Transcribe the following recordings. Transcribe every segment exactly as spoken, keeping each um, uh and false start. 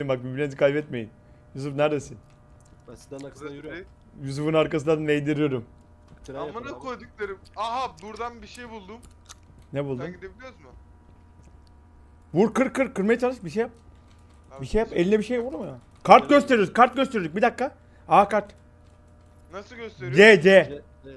Bak birbirinizi kaybetmeyin. Yusuf neredesin? Ben sizden arkasından yürüyorum. Yusuf'un arkasından meydiriyorum. Tren yapın Amına abi. koyduklarım. Aha buradan bir şey buldum. Ne buldun? Sen gidebiliyoruz mu? Vur kır kır kırmaya çalış bir şey yap. Abi, Bir şey yap eline bir şey vurma ya. Kart gösteriyoruz kart gösteriyoruz bir dakika. A kart. Nasıl gösteriyor? C C. C- C'yle.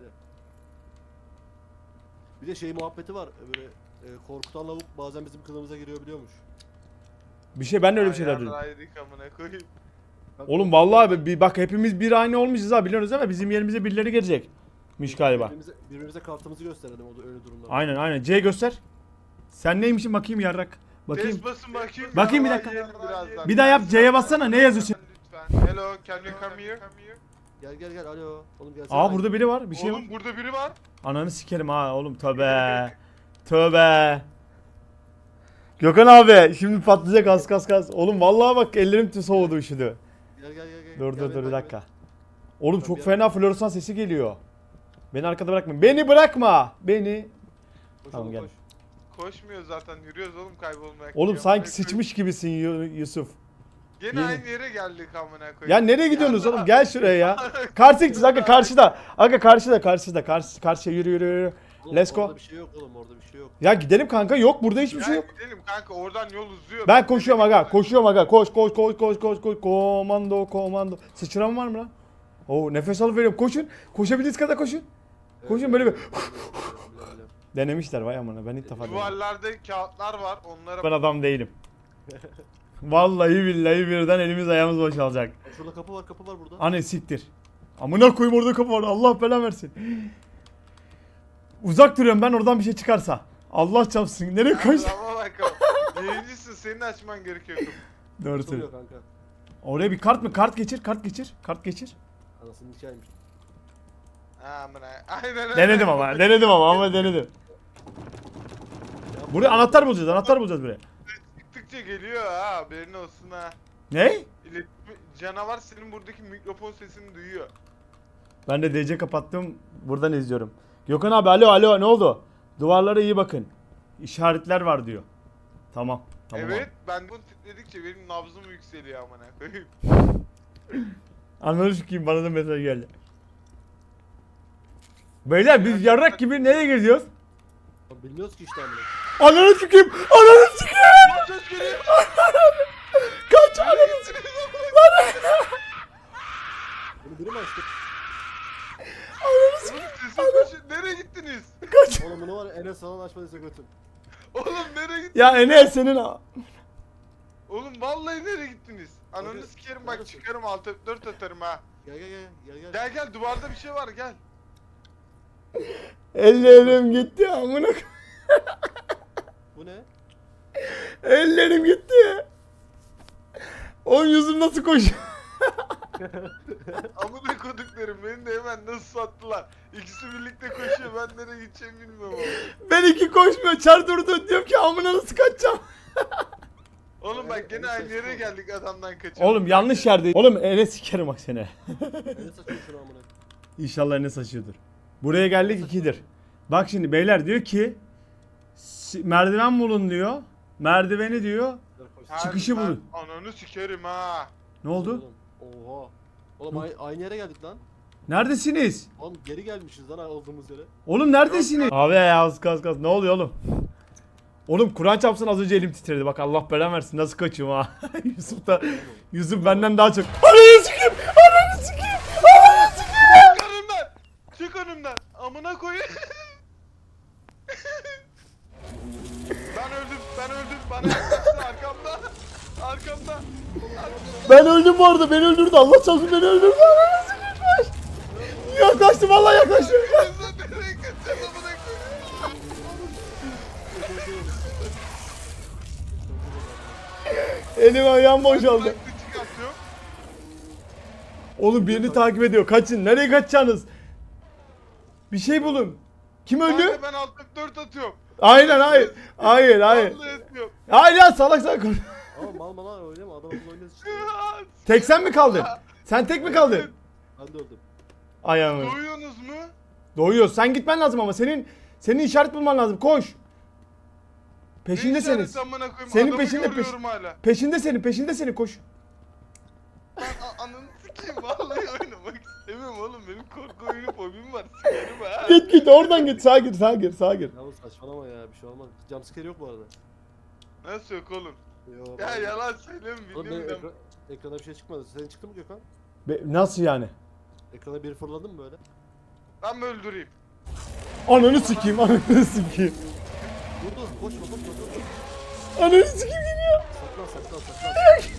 Bir de şey muhabbeti var. Böyle e, korkutan lavuk bazen bizim kılığımıza giriyor biliyormuş. Bir şey ben de öyle bir şeyler Ayağını duydum. ayırdık amına koyayım. Bak, Oğlum vallahi abi bir bak hepimiz bir aynı olmuşuz ha biliyorsunuz ama bizim yerimize birileri gelecekmiş galiba. Birbirimize, birbirimize kartımızı gösterelim o da öyle durumlarda. Aynen aynen C göster. Sen neymişsin bakayım yarrak. Bakayım. Test basın bakayım. Bakayım bir Daha dakika. yiyelim birazdan. Bir daha yap C'ye bassana ne yazıyorsun? Lütfen. Hello, can you come here? Gel gel gel alo. Oğlum gelsene. Aa burada biri var bir şey var. Oğlum burada biri var. Ananı sikerim ha oğlum tövbe. Tövbe. Gökhan abi şimdi patlayacak az kas kas. Oğlum vallahi bak ellerim tü soğudu üşüdü. Gel gel gel. gel. Dur Gel dur beni dur bir takip dakika. et. Oğlum Ben çok bir fena floresan sesi geliyor. Beni arkada bırakma. Beni bırakma. Beni. Koş Tamam, oğlum, gel. koş. Koşmuyor zaten yürüyoruz oğlum kaybolmaya. Oğlum Ya, sanki amına sıçmış gibisin Yu- Yusuf. koyayım. Gene Yeni- aynı yere geldik amına koyayım. Ya nereye gidiyorsunuz oğlum? Gel şuraya ya. Karşı gideceğiz aga karşıda. Aga karşıda karşıda. Karşı karşıya yürü yürü yürü. Oğlum, Let's go. Orada bir şey yok oğlum orada bir şey yok. Ya gidelim kanka. Yok burada hiçbir Ya şey yok. gidelim kanka oradan yol uzuyor. Ben koşuyorum aga. Koşuyorum aga. Koş koş koş koş koş koş. Komando komando. Sıçrama var mı lan? Oo nefes alıp veriyorum. Koşun. Koşabildiğiniz kadar koşun. Koşun böyle bir. Denemişler vay amına. Ben ilk defa denedim. Duvarlarda kağıtlar var onlara Ben adam değilim. Vallahi billahi birden elimiz ayağımız boşalacak. Şurada kapı var kapı var burada. Anne siktir. Amına koyayım orada kapı var. Allah belanı versin. Uzak duruyorum ben oradan bir şey çıkarsa. Allah çarpsın. Nereye koş? Ama bakalım. Birincisi senin açman gerekiyor. Doğru Tutuluyor söylüyor. kanka. Oraya bir kart mı? Kart geçir. Kart geçir. Kart geçir. Anasının hikayeymiş. Amına. Aynen öyle. Denedim ama. Denedim ama ama denedim. Ya, Buraya anahtar bulacağız. Anahtar bulacağız buraya. Çıktıkça geliyor ha haberin olsun ha. Ne? İletişim, canavar senin buradaki mikrofon sesini duyuyor. Ben de D C kapattım. Buradan izliyorum. Gökhan abi alo alo ne oldu? Duvarlara iyi bakın. İşaretler var diyor. Tamam. Tamam evet abi. ben bunu titredikçe benim nabzım yükseliyor amına koyayım. Anladın kim bana da mesaj geldi. Beyler biz yarrak gibi nereye gidiyoruz? Lan bilmiyoruz ki işte amına. Ananı sikeyim! Ananı sikeyim! Söz geliyor. Kaç ananı sikeyim! Bunu biri mi açtı? Ananı sikeyim! Oğlum sesin koşun. Nereye gittiniz? Kaç! Oğlum bunu var ya Enes falan açmadıysa götür. Oğlum nereye gittiniz? Ya Enes senin... Oğlum vallahi nereye gittiniz? Ananı Nerede- sikerim bak neredesin? çıkarım altı dört atarım ha. Gel gel gel gel gel. Gel gel duvarda bir şey var gel. Ellerim gitti amına k- Bu ne? Ellerim gitti. Oğlum yüzüm nasıl koşuyor? Amına koduklarım beni de hemen nasıl sattılar. İkisi birlikte koşuyor ben nereye gideceğimi bilmiyorum ama. Ben iki koşmuyor çar durdu diyorum ki amına nasıl kaçacağım? Oğlum bak gene aynı yere geldik adamdan kaçıyoruz. Oğlum yanlış yerde. Oğlum Enes sikerim bak seni. Enes açıyor şunu amına. İnşallah Enes açıyordur. Buraya geldik ikidir. Bak şimdi beyler diyor ki si- merdiven bulun diyor. Merdiveni diyor. Gel koş. Hadi çıkışı ben bulun. Ananı sikerim ha. Ne oldu? Oğlum, Oha. Oğlum ay- aynı yere geldik lan. Neredesiniz? Oğlum geri gelmişiz lan olduğumuz yere. Oğlum neredesiniz? Abi ya az kas kas ne oluyor oğlum? Oğlum Kur'an çarpsın az önce elim titredi. Bak Allah belanı versin nasıl kaçıyorum ha. Yusuf da Yusuf benden daha çok. Ananı sikeyim! Ananı sikeyim! Ananı sikeyim! Çık önümden. Çık önümden. Amına koyayım. Ben öldüm. Ben öldüm. Bana yaklaştı arkamda. Arkamda. Ben öldüm bu arada beni öldürdü. Allah çarpsın beni öldürdü. Ananı sikeyim kaç. Yaklaştı vallahi yaklaştı. Nereye kaçacağız amına koyayım? Elim ayağım boşaldı. Kulaklığı çıkartıyorum. Oğlum birini takip ediyor. Kaçın. Nereye kaçacaksınız? Bir şey bulun. Kim öldü? Kanka ben alt F dört atıyorum. Aynen hayır. Hayır hayır. Vallahi atıyorum. Hayır ya salak salak. konuş. Ama mal mal oynama adam akıllı oynuyoruz işte. Tek sen mi kaldın? Sen tek mi kaldın? Ben de öldüm. Ayağımı. Duyuyorsunuz mu? Doğuyor. Sen gitmen lazım ama senin senin işaret bulman lazım. Koş. Ne Peşindesiniz. işareti amına koyayım? Senin Adamı peşinde, görüyorum hala. Peşinde senin, peşinde senin koş. Ben a- ananı sikeyim vallahi oynamak istemiyorum oğlum. Benim korku oyunu fobim var. Sikerim ha. Git git oradan git. Sağa gir sağa gir sağa gir. Yavuz saçmalama ya bir şey olmaz. Jumpscare yok bu arada. Nasıl yok oğlum? Yok. Ya yalan söyleme Oğlum benim biliyorum ekra- ekrana bir şey çıkmadı. Senin çıktı mı Gökhan? Be- nasıl yani? Ekrana biri fırladı mı böyle? ben. Ben mi öldüreyim? Ananı sikeyim ananı sikeyim. Dur dur koşma koşma dur. Ananı sikeyim geliyor. Saklan saklan saklan.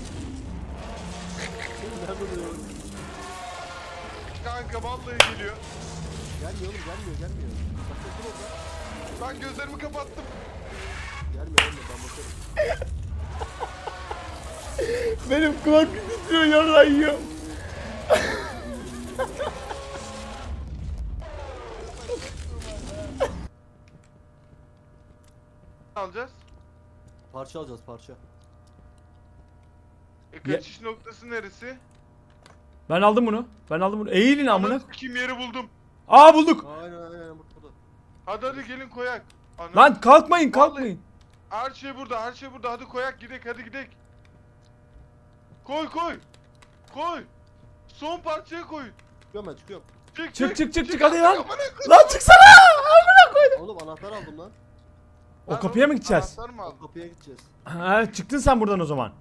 Nerede duruyor? Kanka vallahi geliyor. Gelmiyor oğlum gelmiyor gelmiyor. Saklan dur orada. Ben gözlerimi kapattım. Gelmiyor gelmiyor ben bakarım. Benim kulak titriyor yarrağı yiyor. Ne alacağız? Parça alacağız parça. E kaçış noktası neresi? Ben aldım bunu. Ben aldım bunu. Eğilin amına. Ananı sikeyim yeri buldum. Aa bulduk. Aynen aynen aynen burada. Hadi hadi gelin koyak. Ana. Lan kalkmayın Vallahi- kalkmayın. Her şey burada, her şey burada. Hadi koyak gidek, hadi gidek. Koy koy. Koy. Son parçaya koy. Çıkıyorum ben çıkıyorum. Çık Çık çık çık çık hadi lan. Amına koy. Lan çıksana. Amına koydum. Oğlum anahtar aldım lan. O Lan kapıya mı oğlum, gideceğiz? anahtar mı O aldın? kapıya gideceğiz. Ha, çıktın sen buradan o zaman.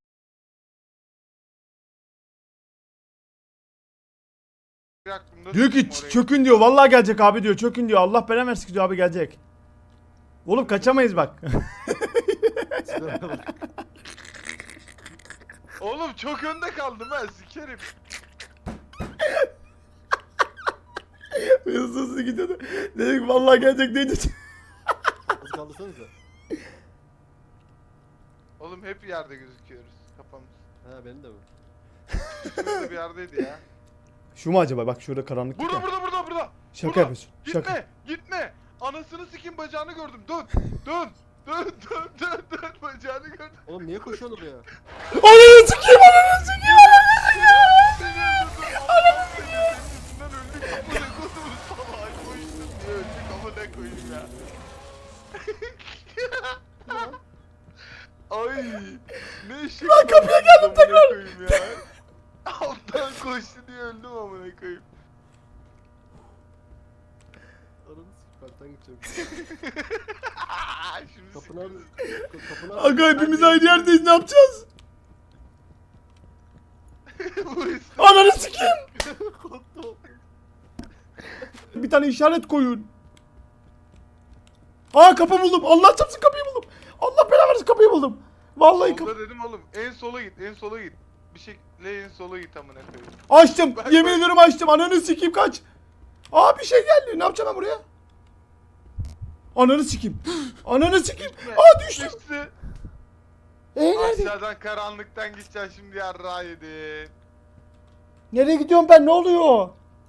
Aklımda Diyor ki tuttum orayı. çökün diyor. Vallahi gelecek abi diyor. Çökün diyor. Allah belanı versin diyor abi gelecek. Oğlum kaçamayız bak. Silahına bak. Oğlum çok önde kaldım ben sikerim. Hızlı hızlı gidiyordu. Dedik vallahi gelecek deyince. Hızlı kaldırsanıza. Oğlum hep yerde gözüküyoruz kafamız. He benim de mi? Şurada bir yerdeydi ya. Şu mu acaba? Bak şurada karanlık. Burada burada burada burada. Şaka burada. yapıyorsun. Gitme Şaka. gitme. Anasını sikim bacağını gördüm. Dön dön. Dön dön dön dön bacağını gördüm. Oğlum niye koşuyorsun oraya? Ananı sikeyim ananı sikeyim. Yüzünden öldük amına kodumun salağı koştum diye öldük amına koyayım ya. Ay ne eşek. Lan kapıya geldim tekrar. Ya. Alttan koştu diye öldüm amına koyayım. Ananı sik parktan gideceğim. Şimdi Kapı siktir. nerede? Kapı nerede? Aga hepimiz aynı yerdeyiz ne yapacağız? Bu üstü- Ananı sikeyim. Korktum. Bir tane işaret koyun. Aa kapı buldum. Allah çarpsın kapıyı buldum. Allah belanı versin kapıyı buldum. Vallahi kapı. Solda dedim oğlum en sola git en sola git. Bir şekilde en sola git amına koyayım. Açtım. Bak, Yemin bak. ediyorum açtım. Ananı sikeyim kaç. Aa bir şey geldi. Ne yapacağım ben buraya? Ananı sikeyim. Ananı sikeyim. Aa düştüm. Düştü. Ee nerede? Aşağıdan karanlıktan gideceksin şimdi yarrağı yedin. Nereye gidiyorum ben? Ne oluyor?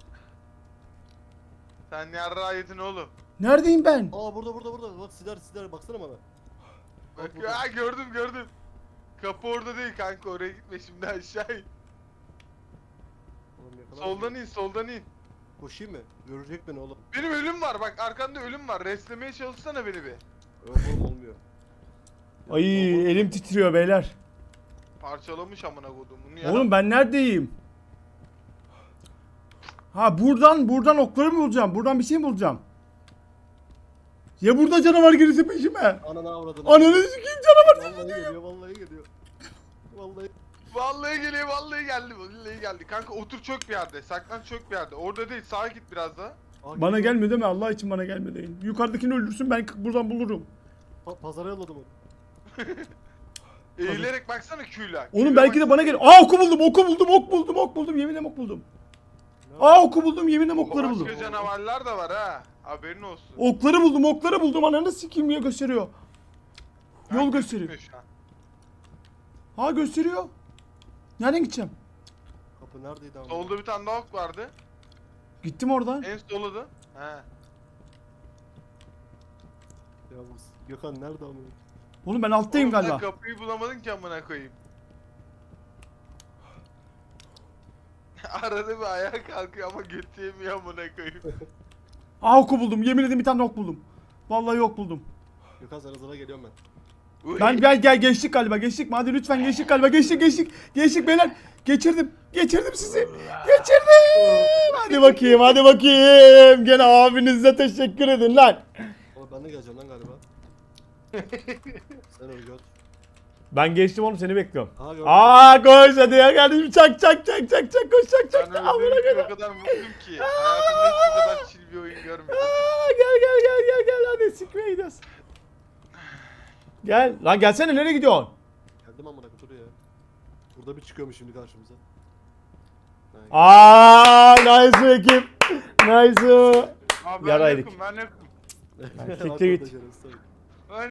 Sen yarrağı yedin oğlum. Neredeyim ben? Aa burada burada burada. Bak siler siler baksana bana. Bak burada. ya gördüm gördüm. Kapı orada değil kanka oraya gitme şimdi aşağı in. Oğlum yakalar Soldan mısın? in soldan in. Koşayım mı? Görecek beni oğlum. Benim ölüm var bak arkanda ölüm var. Reslemeye çalışsana beni bir. Yok oğlum olmuyor. Ay elim titriyor beyler. Parçalamış amına kodumun ya. Oğlum ben neredeyim? Ha buradan buradan okları mı bulacağım? Buradan bir şey mi bulacağım? Ya burada canavar gelirse peşime. Ananı avradını. Ananı sikeyim canavar. Vallahi geliyor vallahi geliyor. Vallahi. Vallahi geliyor vallahi geldi vallahi geldi. Kanka otur çök bir yerde. Saklan çök bir yerde. Orada değil sağa git biraz daha. Aa, Bana geliyor. gelme deme Allah için bana gelme deyin. Yukarıdakini öldürsün ben buradan bulurum. Pa pazara yolladım onu. Eğilerek baksana Q'la. Oğlum Q'la belki de baksana. bana gel. Aa oku buldum oku buldum ok buldum ok buldum yeminle ok buldum. Aa oku buldum yeminle okları buldum. Başka canavarlar da var ha. Haberin olsun. Okları buldum okları buldum ananı sikeyim ya gösteriyor. Ha, Yol gözükmüyor gösteriyor. şu an. Ha gösteriyor. Nereden gideceğim? Kapı neredeydi ama? Solda bir tane daha ok vardı. Gittim oradan. En soludu. He. Yavuz. Gökhan nerede ama? Oğlum ben alttayım Oğlum sen galiba. kapıyı bulamadın ki amına koyayım. Arada bir ayağa kalkıyor ama götü yemiyor amına koyayım. Aa oku buldum yemin ederim bir tane ok buldum. Vallahi ok buldum. Gökhan sana zara geliyorum ben. Uy. Ben gel gel geçtik galiba geçtik mi? Hadi lütfen geçtik galiba geçtik geçtik. Geçtik beyler. Geçirdim. Geçirdim sizi. Geçirdim. Hadi bakayım hadi bakayım. Gene abinize teşekkür edin lan. Ama ben de geleceğim lan galiba. Sen öyle gör. Ben geçtim oğlum seni bekliyorum. Aha gördüm. Aa koş hadi ya kardeşim çak çak çak çak çak koş çak çak. Ben Amına öyle koyayım. o kadar mutluyum ki. Hayatımda hiç bu kadar chill bir oyun görmedim. Aa, gel gel gel gel gel hadi sikmeye gidiyoruz. Gel lan gelsene nereye gidiyorsun? Geldim amına koyayım dur ya. Burada bir çıkıyormuş şimdi karşımıza. Aa nice ekip. Nice. Abi ben Yaraydık. yokum ben yokum. Siktir git. Arkadaşlar,